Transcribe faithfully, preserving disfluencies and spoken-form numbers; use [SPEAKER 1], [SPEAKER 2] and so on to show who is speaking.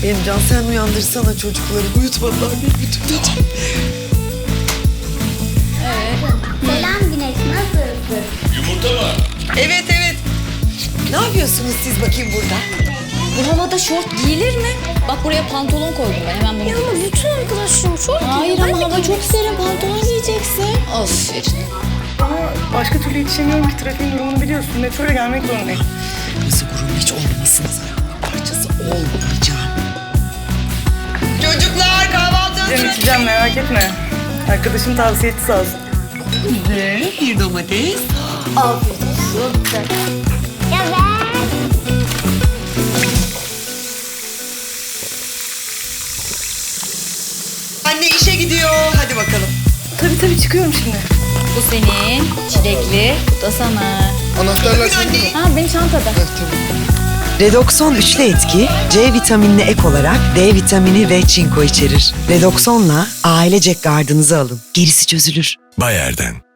[SPEAKER 1] Emcan sen uyandırsana çocukları. Uyutmadılar beni bütün gece.
[SPEAKER 2] Selam Güneş, nasılsın?
[SPEAKER 3] Yumurta var.
[SPEAKER 1] Evet evet. Ne yapıyorsunuz siz bakayım burada?
[SPEAKER 4] Bu havada şort giyilir mi? Bak buraya pantolon koydum ben hemen bunu.
[SPEAKER 2] Ya ama bütün arkadaşlarım şort
[SPEAKER 4] Hayır
[SPEAKER 2] giyiyor.
[SPEAKER 4] ama
[SPEAKER 2] Ben de
[SPEAKER 4] hava
[SPEAKER 2] giymek
[SPEAKER 4] çok serin, pantolon giyeceksin. Aferin.
[SPEAKER 5] Ama başka türlü yetişemiyorum ki, trafiğin durumunu biliyorsun. Metroyla gelmek zorundayım.
[SPEAKER 1] Kırmızı gurur hiç olmasın. Parçası olmayacağım. Çocuklar kahvaltı
[SPEAKER 5] Gideceğim içeceğim, merak etme. Arkadaşım tavsiye etti sağ olsun.
[SPEAKER 1] Ve bir domates.
[SPEAKER 2] Ya ben...
[SPEAKER 1] Anne işe gidiyor. Hadi bakalım.
[SPEAKER 5] Tabii tabii çıkıyorum şimdi.
[SPEAKER 4] Bu senin, çilekli, bu da sana.
[SPEAKER 3] Anahtarlar
[SPEAKER 1] Bugün anne.
[SPEAKER 4] Ha benim çantada.
[SPEAKER 6] Redoxon üçlü etki, C vitaminine ek olarak D vitamini ve çinko içerir. Redoxon'la ailecek gardınızı alın. Gerisi çözülür.
[SPEAKER 7] Bayer'den.